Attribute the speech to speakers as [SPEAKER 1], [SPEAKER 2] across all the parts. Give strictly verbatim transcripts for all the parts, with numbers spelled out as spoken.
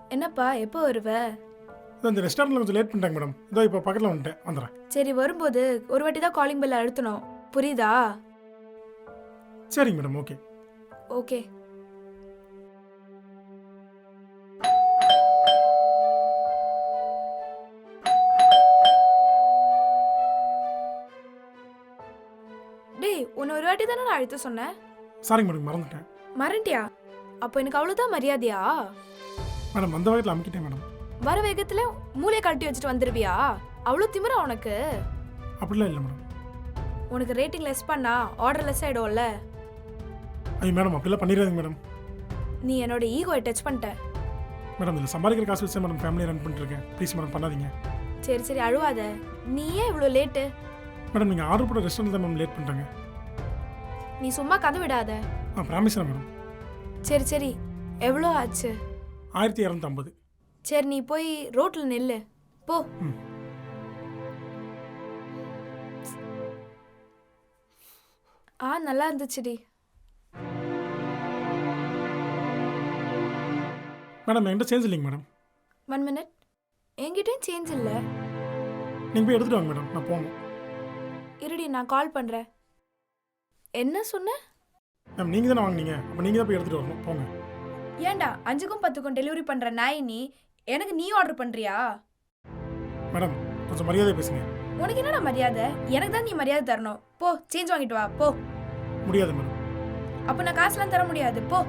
[SPEAKER 1] என்னப்பா எப்போ வருவ?
[SPEAKER 2] இதோ இந்த ரெஸ்டாரண்ட்டில் கொஞ்சம் லேட் பண்ணிட்டாங்க மேடம். இதோ இப்போ பக்கத்தில் வந்துட்டேன், வந்துடுறேன்.
[SPEAKER 1] சரி, வரும்போது ஒரு வாட்டி தான் காலிங் பெல் அழுத்தணும், புரியுதா?
[SPEAKER 2] சரிங்க மேடம், ஓகே.
[SPEAKER 1] ஓகே. டேய், உன்னை ஒரு வாட்டி தானே நான் அழுத்த சொன்னேன்.
[SPEAKER 2] சாரிங்க மேடம், மறந்துட்டேன்.
[SPEAKER 1] மறண்டியா? அப்போ எனக்கு அவ்வளோதான் மரியாதையா?
[SPEAKER 2] மேடம் வந்த வகையில் அமுக்கிட்டேன் மேடம்.
[SPEAKER 1] வர வேகத்துல மூளையை கழட்டி வச்சுட்டு வந்துருவியா? அவ்வளோ திமிரா உனக்கு?
[SPEAKER 2] அப்படிலாம் இல்லை மேடம்.
[SPEAKER 1] உனக்கு ரேட்டிங் லெஸ் பண்ணா ஆர்டர் லெஸ் ஆயிடும்ல.
[SPEAKER 2] ஐயோ மேடம், அப்படிலாம் பண்ணிடாதீங்க மேடம்.
[SPEAKER 1] நீ என்னோட ஈகோயை டச் பண்ணிட்ட.
[SPEAKER 2] மேடம் இதில் சம்பாதிக்கிற காசு வச்சு மேடம் ஃபேமிலியை ரன் பண்ணிட்டுருக்கேன். ப்ளீஸ் மேடம் பண்ணாதீங்க.
[SPEAKER 1] சரி சரி, அழுவாத. நீ ஏன் இவ்வளோ லேட்டு?
[SPEAKER 2] மேடம் நீங்கள் ஆர்டர் போட ரெஸ்டாரண்ட் தான் மேம் லேட் பண்ணிட்டாங்க.
[SPEAKER 1] நீ சும்மா கதை விடாத.
[SPEAKER 2] ஆ ப்ராமிஸ்ண்ணா மேடம்.
[SPEAKER 1] சரி சரி, எவ்வளோ ஆச்சு?
[SPEAKER 2] ஆயிரத்தி இரநூத்தம்பது.
[SPEAKER 1] சரி, நீ போய் ரோட்ல நில்லு போ.
[SPEAKER 2] ம்.
[SPEAKER 1] ஆ நல்லா இருந்துச்சுடி.
[SPEAKER 2] மேடம் என்கிட்ட சேஞ்ச் இல்லைங்க மேடம்.
[SPEAKER 1] One minute. என்கிட்டயும் சேஞ்ச் இல்லை.
[SPEAKER 2] நீங்கள் போய் எடுத்துகிட்டு வாங்க மேடம், நான் போகணும்.
[SPEAKER 1] இருடி, நான் கால் பண்ணுறேன். என்ன சொன்ன?
[SPEAKER 2] மேம் நீங்கள் தானே வாங்கினீங்க, அப்போ நீங்கள் தான் போய் எடுத்துகிட்டு வரணும், போங்க.
[SPEAKER 1] ஏன்டா அஞ்சுக்கும் பத்துக்கும் டெலிவரி பண்ணுற நாய் நீ எனக்கு நீ ஆர்டர் பண்ணுறியா?
[SPEAKER 2] மேடம் கொஞ்சம் மரியாதை பேசுங்க.
[SPEAKER 1] உனக்கு என்னடா மரியாதை? எனக்கு தான் நீ மரியாதை தரணும். போ, சேஞ்ச் வாங்கிட்டு வா போ.
[SPEAKER 2] முடியாது மேடம்.
[SPEAKER 1] அப்போ நான் காசுலாம் தர முடியாது, போ.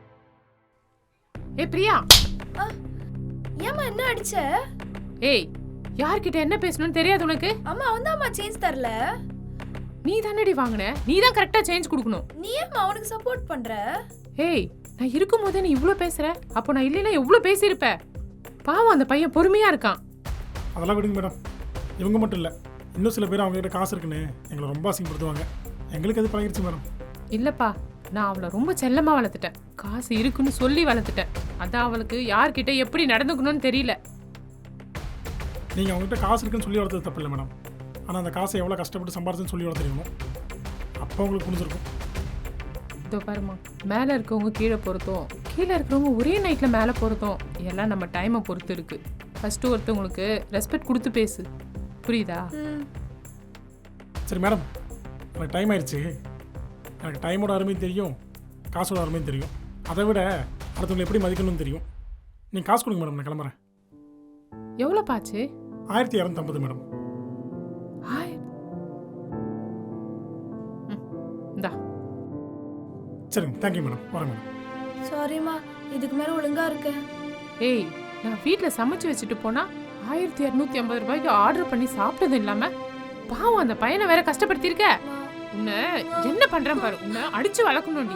[SPEAKER 3] ஏ பிரியா,
[SPEAKER 1] ஏம்மா என்ன அடிச்ச?
[SPEAKER 3] ஏய் யார்கிட்ட என்ன பேசணும்னு தெரியாது உனக்கு?
[SPEAKER 1] அம்மா வந்து அம்மா சேஞ்ச் தரல.
[SPEAKER 3] நீ தானடி வாங்குன, நீ தான் கரெக்டா சேஞ்ச் கொடுக்கணும்.
[SPEAKER 1] நீ ஏம்மா அவனுக்கு சப்போர்ட் பண்ற?
[SPEAKER 3] ஏய் நான் இருக்கும் போதே நீ இவ்ளோ பேசுற, அப்போ நான் இல்லைன்னா எவ்வளோ பேசியிருப்ப. பாவம் அந்த பையன் பொறுமையா இருக்கான்.
[SPEAKER 2] அதெல்லாம் விடுங்க மேடம். இவங்க மட்டும் இல்லை, இன்னும் சில பேர் அவங்ககிட்ட காசு இருக்குன்னு எங்களை ரொம்ப அசிங்கப்படுத்துவாங்க. எங்களுக்கு அது பழகிடுச்சு மேடம்.
[SPEAKER 3] இல்லப்பா, நான் அவளை ரொம்ப செல்லமா வளர்த்துட்டேன். காசு இருக்குன்னு சொல்லி வளர்த்துட்டேன். அதான் அவளுக்கு யார்கிட்ட எப்படி நடந்துக்கணும்னு தெரியல.
[SPEAKER 2] நீங்கள் அவங்ககிட்ட காசு இருக்குன்னு சொல்லி வளர்த்தது தப்பு இல்லை மேடம். ஆனால் அந்த காசை எவ்வளோ கஷ்டப்பட்டு சம்பாரிச்சுன்னு சொல்லி வளர்த்துருக்கணும். அப்போ உங்களுக்கு புரிஞ்சிருக்கும்.
[SPEAKER 3] இதோ பாருமா, மேலே இருக்கவங்க கீழே பொறுத்தோம், கீழே இருக்கிறவங்க ஒரே நைட்டில் மேலே பொறுத்தோம். எல்லாம் நம்ம டைமை பொறுத்து இருக்கு. ஃபஸ்ட்டு ஒருத்தவங்களுக்கு ரெஸ்பெக்ட் கொடுத்து பேசு, புரியுதா?
[SPEAKER 2] சரி மேடம், எனக்கு டைம் ஆயிடுச்சு. எனக்கு டைமோட அருமையும் தெரியும், காசோட அருமையும் தெரியும். அதை விட அடுத்தவங்களை எப்படி மதிக்கணும்னு தெரியும். நீங்கள் காசு கொடுங்க மேடம், நான் கிளம்புறேன்.
[SPEAKER 3] எவ்வளோ பாச்சு?
[SPEAKER 2] ஆயிரத்தி இரநூத்தம்பது மேடம்.
[SPEAKER 3] இந்தா.
[SPEAKER 2] சரிங்க, தேங்க்யூ மேடம், வரேன் மேடம்.
[SPEAKER 1] சாரிம்மா, இதுக்கு மேலே ஒழுங்கா இருக்க.
[SPEAKER 3] ஏய், நான் வீட்டில் சமைச்சு வச்சுட்டு போனா ஆயிரத்தி இரநூத்தி ஐம்பது ரூபாய்க்கு ஆர்டர் பண்ணி சாப்பிட்டது இல்லாம பாவம் அந்த பையனை வேற கஷ்டப்படுத்திருக்க. உன்னை என்ன பண்றேன் பாரு, உன்னை அடிச்சு வளர்க்கணும்டி.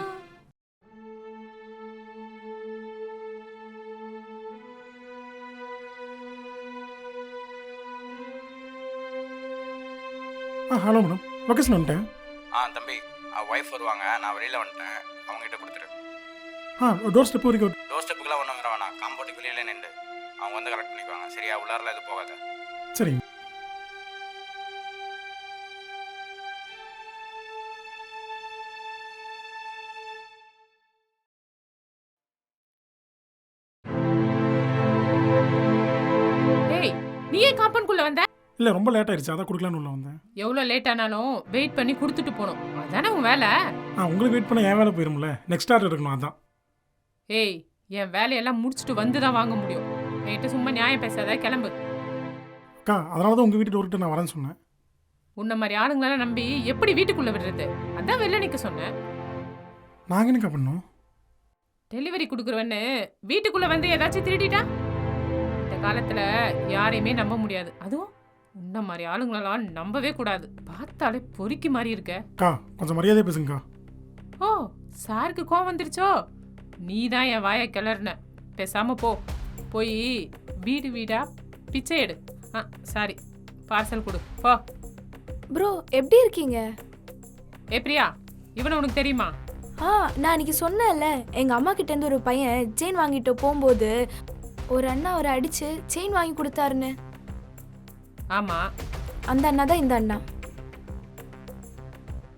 [SPEAKER 2] ஆ ஹலோ மேடம், லொக்கேஷன் வந்துட்டேன்.
[SPEAKER 4] ஆ தம்பி, அவள் ஒய்ஃப் வருவாங்க, நான் வெளியில் வந்துட்டேன், அவங்ககிட்ட கொடுத்துரு.
[SPEAKER 2] ஆ டோர் ஸ்டெப் வரைக்கும்.
[SPEAKER 4] டோர் ஸ்டெப்புக்கெலாம் ஒன்றும் வர வேணாம், காம்பவுண்டுக்கு வெளியில் நின்று அவங்க வந்து கரெக்ட் பண்ணிக்குவாங்க. சரியா, உள்ளாரில் எதுவும் போகாத.
[SPEAKER 2] சரிங்க.
[SPEAKER 3] ஏய், நீ ஏன் காம்பவுண்ட்குள்ள வந்த?
[SPEAKER 2] இல்லை ரொம்ப லேட் ஆயிடுச்சு, அதான் கொடுக்கலான்னு உள்ள வந்தேன்.
[SPEAKER 3] எவ்வளோ லேட் ஆனாலும் வெயிட் பண்ணி கொடுத்துட்டு போகணும், அதானே உன் வேலை.
[SPEAKER 2] ஆ உங்களுக்கு வெயிட் பண்ண என் வேலை போயிரும்ல, நெக்ஸ்ட் ஆர்டர் எடுக்கணும், அதான்.
[SPEAKER 3] ஏய், என் வேலையெல்லாம் முடிச்சுட்டு வந்து தான் வாங்க முடியும். என்கிட்ட சும்மா நியாயம் பேசாத, கிளம்பு.
[SPEAKER 2] அக்கா அதனால தான் உங்கள் வீட்டு டோர்கிட்ட நான் வரேன்னு சொன்னேன்.
[SPEAKER 3] உன்ன மாதிரி ஆளுங்களெல்லாம் நம்பி எப்படி வீட்டுக்குள்ள விடுறது? அதான் வெளில நிற்க சொன்னேன்.
[SPEAKER 2] நாங்கள் என்னக்கா பண்ணோம்?
[SPEAKER 3] டெலிவரி கொடுக்குறவன்னு வீட்டுக்குள்ள வந்து ஏதாச்சும் திருடிட்டா? இந்த காலத்துல யாரையுமே நம்ப முடியாது. அதுவும் உன்ன மாதிரி ஆளுங்களெல்லாம் நம்பவே கூடாது. பார்த்தாலே பொறுக்கி மாதிரி இருக்க.
[SPEAKER 2] அக்கா கொஞ்சம் மரியாதையாக பேசுங்கக்கா.
[SPEAKER 3] ஓ, சாருக்கு கோவம் வந்துருச்சோ? நீ தான் என் வாயை கிளறின. பேசாம போ, போய் வீடு வீடா பிச்சை எடு. ஆ சாரி, பார்சல் கொடு போ.
[SPEAKER 1] ப்ரோ, எப்படி இருக்கீங்க?
[SPEAKER 3] ஏ பிரியா, இவனை உனக்கு தெரியுமா?
[SPEAKER 1] ஆ, நான் அன்னைக்கு சொன்னேன்ல, எங்கள் அம்மா கிட்டேருந்து ஒரு பையன் செயின் வாங்கிட்டு போகும்போது ஒரு அண்ணா அவரை அடித்து செயின் வாங்கி கொடுத்தாருன்னு.
[SPEAKER 3] ஆமா,
[SPEAKER 1] அந்த அண்ணா தான் இந்த அண்ணா.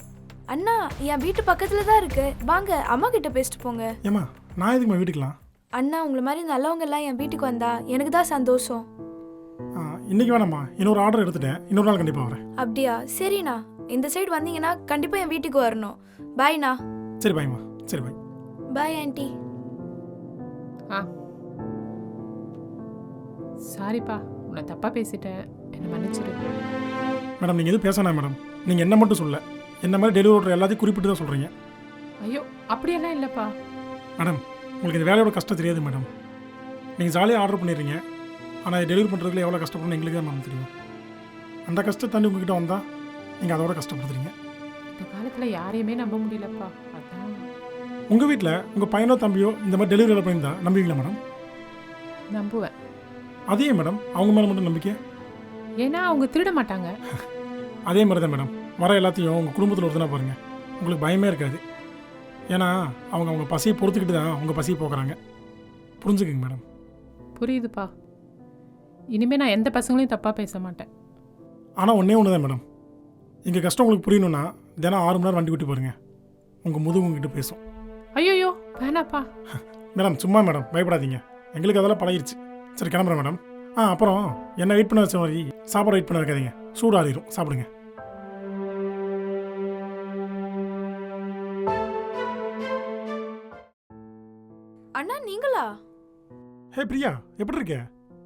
[SPEAKER 1] அண்ணா என் வீட்டு பக்கத்துல தான் இருக்கு, வாங்க அம்மா கிட்ட பேசிட்டு போங்க.
[SPEAKER 2] ஏமா நான் எதுக்குமா வீட்டுக்கலாம்?
[SPEAKER 1] அண்ணா உங்களை மாதிரி நல்லவங்க எல்லாம் என் வீட்டுக்கு வந்தா எனக்கு தான் சந்தோஷம்.
[SPEAKER 2] ஆ, இன்னைக்கு வேணாம்மா, இன்னொரு ஆர்டர் எடுத்துட்டேன், இன்னொரு நாள் கண்டிப்பாக வரேன்.
[SPEAKER 1] அப்படியா? சரிண்ணா, இந்த சைடு வந்தீங்கன்னா கண்டிப்பாக என் வீட்டுக்கு வரணும். பாய்ண்ணா.
[SPEAKER 2] சரி பாய்மா, சரி பாய்.
[SPEAKER 1] Bye aunty.
[SPEAKER 3] ஆ சாரிப்பா, உன்னை தப்பாக பேசிட்டேன், என்னை மன்னிச்சிரு.
[SPEAKER 2] மேடம் நீங்கள் எதுவும் பேசணும் மேடம். நீங்கள் என்ன மட்டும் சொல்ல, என்ன மாதிரி டெலிவரி ஓடுற எல்லாத்தையும் குறிப்பிட்டு தான் சொல்கிறீங்க.
[SPEAKER 3] ஐயோ அப்படியெல்லாம் இல்லைப்பா.
[SPEAKER 2] மேடம் உங்களுக்கு இந்த வேலையோட கஷ்டம் தெரியாது மேடம். நீங்கள் ஜாலியாக ஆர்டர் பண்ணிடுறீங்க, ஆனால் டெலிவரி பண்ணுறதுல எவ்வளோ கஷ்டப்படணும் எங்களுக்கு தான் மேம் தெரியும். அந்த கஷ்டத்தை தாண்டி உங்ககிட்ட வந்தால் நீங்கள் அதோட கஷ்டப்படுத்துறீங்க.
[SPEAKER 3] இந்த காலத்தில் யாரையுமே நம்ப முடியலப்பா. அதான்
[SPEAKER 2] உங்கள் வீட்டில் உங்கள் பையனோ தம்பியோ இந்த மாதிரி டெலிவரி வேலை பண்ணியிருந்தா நம்புவீங்களா மேடம்?
[SPEAKER 3] நம்புவேன்.
[SPEAKER 2] அதே மேடம் அவங்க மேலே மட்டும் நம்பிக்கை?
[SPEAKER 3] ஏன்னா அவங்க திருட மாட்டாங்க.
[SPEAKER 2] அதே மாதிரி தான் மேடம் வர எல்லாத்தையும் உங்கள் குடும்பத்தில் ஒருத்தனா பாருங்கள், உங்களுக்கு பயமே இருக்காது. ஏன்னா அவங்க அவங்க பசியை பொறுத்துக்கிட்டு தான் உங்கள் பசியை போக்குறாங்க. புரிஞ்சுக்குங்க மேடம்.
[SPEAKER 3] புரியுதுப்பா. இனிமேல் நான் எந்த பசங்களையும் தப்பாக பேச மாட்டேன்.
[SPEAKER 2] ஆனால் ஒன்றே ஒன்று தான் மேடம், எங்கள் கஷ்டம் உங்களுக்கு புரியணும்னா தினம் ஆறு மணி நேரம் வண்டி விட்டு பாருங்கள், உங்கள் முதுகு உங்ககிட்ட பேசும்.
[SPEAKER 3] ஐயோயோ வேணாப்பா.
[SPEAKER 2] மேடம் சும்மா மேடம் பயப்படாதீங்க, எங்களுக்கு அதெல்லாம் பழகிருச்சு. சரி கிளம்புறேன் மேடம். ஆ அப்புறம் என்ன வெயிட் பண்ண வச்ச மாதிரி சாப்பாடு வெயிட் பண்ண வைக்காதீங்க, சூடு ஆறிடும், சாப்பிடுங்க.
[SPEAKER 1] அண்ணா நீங்களா?
[SPEAKER 2] ஹே பிரியா, எப்படி இருக்க?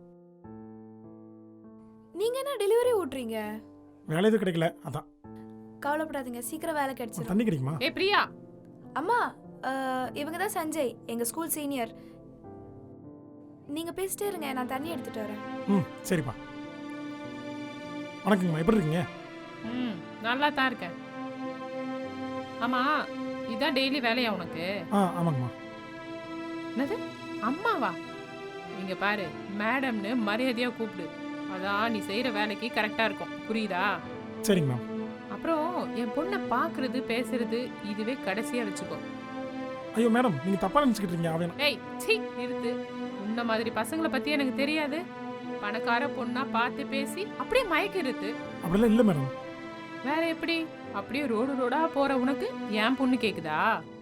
[SPEAKER 1] நீங்க என்ன டெலிவரி ஓட்டுறீங்க?
[SPEAKER 2] வேலை எதுவும் கிடைக்கல, அதான்.
[SPEAKER 1] கவலைப்படாதீங்க, சீக்கிரம் வேலை கிடைச்சிடும்.
[SPEAKER 2] தண்ணி கிடைக்குமா?
[SPEAKER 3] ஏ பிரியா.
[SPEAKER 1] அம்மா, அஹ், இவங்க தான் சஞ்சய், எங்க ஸ்கூல் சீனியர். நீங்க பேசிட்டே இருங்க, நான் தண்ணி எடுத்துட்டு வரேன்.
[SPEAKER 2] ம் சரிப்பா. வணக்கங்கம்மா, எப்படி இருக்கீங்க?
[SPEAKER 3] ம் நல்லா தான் இருக்கேன். ஆமாம், இதான் டெய்லி வேலையா உனக்கு?
[SPEAKER 2] ஆ ஆமாங்கம்மா.
[SPEAKER 3] என்னது அம்மாவா? இங்கே பாரு, மேடம்னு மரியாதையாக கூப்பிடு. அதான் நீ செய்கிற வேலைக்கு கரெக்டாக இருக்கும், புரியுதா?
[SPEAKER 2] சரிங்க மேம்.
[SPEAKER 3] அப்புறம் என் பொண்ணை பார்க்குறது பேசுறது இதுவே கடைசியாக வச்சுக்கோ.
[SPEAKER 2] ஐயோ மேடம் நீங்கள் தப்பாக நினச்சிக்கிட்டு இருக்கீங்க. அவன்
[SPEAKER 3] ஏய் சீ நிறுத்து. உன்ன மாதிரி பசங்களை பற்றி எனக்கு தெரியாது. பணக்கார பொண்ணா பார்த்து பேசி அப்படியே மயக்கிறது.
[SPEAKER 2] அப்படிலாம் இல்லை மேடம்.
[SPEAKER 3] வேற எப்படி? அப்படியே ரோடு ரோடா போற உனக்கு என் பொண்ணு கேக்குதா?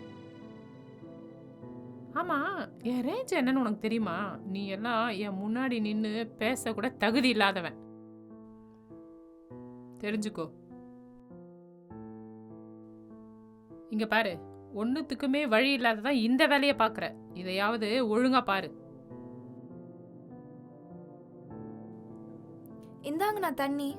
[SPEAKER 3] ஆமா, என் ரேஞ்ச் என்னன்னு உனக்கு தெரியுமா? நீ எல்லாம் என் முன்னாடி நின்று பேச கூட தகுதி இல்லாதவன், தெரிஞ்சுக்கோ. இங்க பாரு, ஒன்னுத்துக்குமே வழி இல்லாததான் இந்த வேலையை பாக்குற. இதையாவது ஒழுங்கா பாரு.
[SPEAKER 1] இந்தாங்க நான் தண்ணி.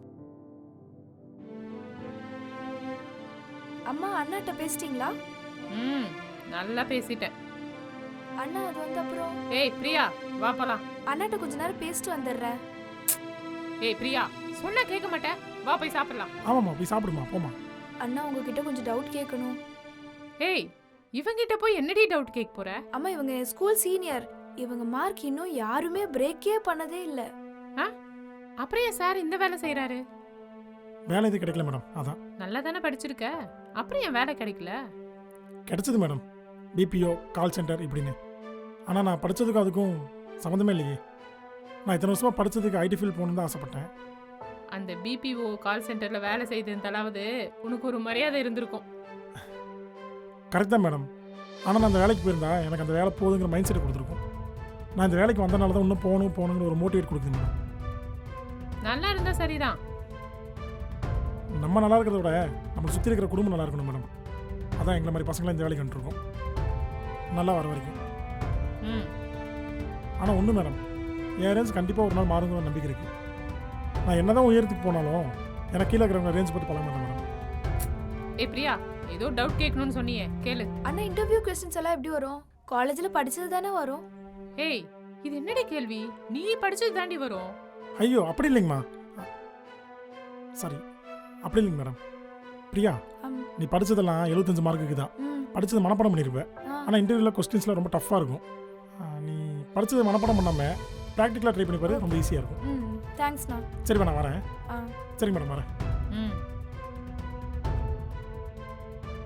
[SPEAKER 1] அம்மா அண்ணாட்ட பேசிட்டீங்களா?
[SPEAKER 3] ம் நல்லா பேசிட்டேன்.
[SPEAKER 1] அண்ணா அது வந்து அப்புறம்
[SPEAKER 3] ஏய் பிரியா, வா போலாம்.
[SPEAKER 1] அண்ணாட்ட கொஞ்ச நேரம் பேசிட்டு வந்துடுறேன்.
[SPEAKER 3] ஏய் பிரியா, சொன்னா கேட்க மாட்டேன், வா போய் சாப்பிடலாம்.
[SPEAKER 2] ஆமாம்மா, போய் சாப்பிடுமா, போமா.
[SPEAKER 1] அண்ணா உங்ககிட்ட கொஞ்சம் டவுட் கேட்கணும்.
[SPEAKER 3] ஏய் இவங்கிட்ட போய் என்னடி டவுட் கேட்க போற?
[SPEAKER 1] அம்மா இவங்க ஸ்கூல் சீனியர், இவங்க மார்க் இன்னும் யாருமே பிரேக்கே பண்ணதே இல்ல.
[SPEAKER 3] அப்புறம் ஏன் சார் இந்த வேலை செய்யறாரு?
[SPEAKER 2] வேலை எதுவும் கிடைக்கல மேடம், அதான்.
[SPEAKER 3] நல்லா தானே படிச்சிருக்க, அப்புறம் ஏன் வேலை கிடைக்கல?
[SPEAKER 2] கிடைச்சது மேடம், பிபிஓ கால் சென்டர் இப்படின்னு. ஆனால் நான் படித்ததுக்கும் அதுக்கும் சம்மந்தமே இல்லையே. நான் இத்தனை வருஷமாக படித்ததுக்கு ஐடி ஃபீல்ட் போகணுன்னு தான் ஆசைப்பட்டேன்.
[SPEAKER 3] அந்த பிபிஓ கால் சென்டரில் வேலை செய்ததாலாவது உனக்கு ஒரு மரியாதை இருந்திருக்கும்.
[SPEAKER 2] கரெக்ட் தான் மேடம். ஆனால் நான் அந்த வேலைக்கு போயிருந்தா எனக்கு அந்த வேலை போதுங்கிற மைண்ட் செட் கொடுத்துருக்கும். நான் இந்த வேலைக்கு வந்தனால தான் இன்னும் போகணும் போகணுங்கிற ஒரு மோட்டிவேட் கொடுக்குது மேடம்.
[SPEAKER 3] நல்லா இருந்தா சரிதான்.
[SPEAKER 2] நம்ம நல்லா இருக்கிறத விட நம்ம சுற்றி இருக்கிற குடும்பம் நல்லா இருக்கணும் மேடம். அதான் எங்களை மாதிரி பசங்களாம் இந்த வேலைக்கு வந்துருக்கோம், நல்லா வர வரைக்கும்.
[SPEAKER 3] ம்
[SPEAKER 2] ஆனால் ஒன்று மேடம், என் ரேஞ்ச் கண்டிப்பாக ஒரு நாள் மாறுங்கிற நம்பிக்கை இருக்குது. நான் என்ன தான் உயரத்துக்கு போனாலும் எனக்கு கீழே இருக்கிறவங்க ரேஞ்ச் பற்றி பழக மாட்டேன் மேடம்.
[SPEAKER 3] ஏ பிரியா, ஏதோ டவுட் கேட்கணும்னு சொன்னியே, கேளு.
[SPEAKER 1] அண்ணா இன்டர்வியூ கொஸ்டின்ஸ் எல்லாம் எப்படி வரும்? காலேஜ்ல படிச்சது தானே வரும்.
[SPEAKER 3] ஏய் இது என்னடி கேள்வி? நீ படிச்சது தாண்டி வரும்.
[SPEAKER 2] ஐயோ அப்படி இல்லைங்கம்மா, சாரி அப்படி இல்லைங்க மேடம். பிரியா,
[SPEAKER 1] ஆம்.
[SPEAKER 2] நீ படித்ததெல்லாம் எழுபத்தஞ்சு மார்க்குக்கு தான்.
[SPEAKER 1] ம்.
[SPEAKER 2] படித்தது மனப்பாடம் பண்ணியிருப்பேன்.
[SPEAKER 1] ஆ.
[SPEAKER 2] ஆனால் இன்டர்வியூவில் கொஸ்டின்ஸ்லாம் ரொம்ப டஃப்பாக இருக்கும். ஆ, நீ படித்தது மனப்பாடம் பண்ணாமல் ப்ராக்டிக்கலாக ட்ரை பண்ணி பாரு, ரொம்ப ஈஸியாக இருக்கும்.
[SPEAKER 1] ம் தேங்க்ஸ்ண்ணா.
[SPEAKER 2] சரி நான் வரேன்.
[SPEAKER 1] ஆ
[SPEAKER 2] சரிங்க மேடம் வரேன்.
[SPEAKER 3] ம்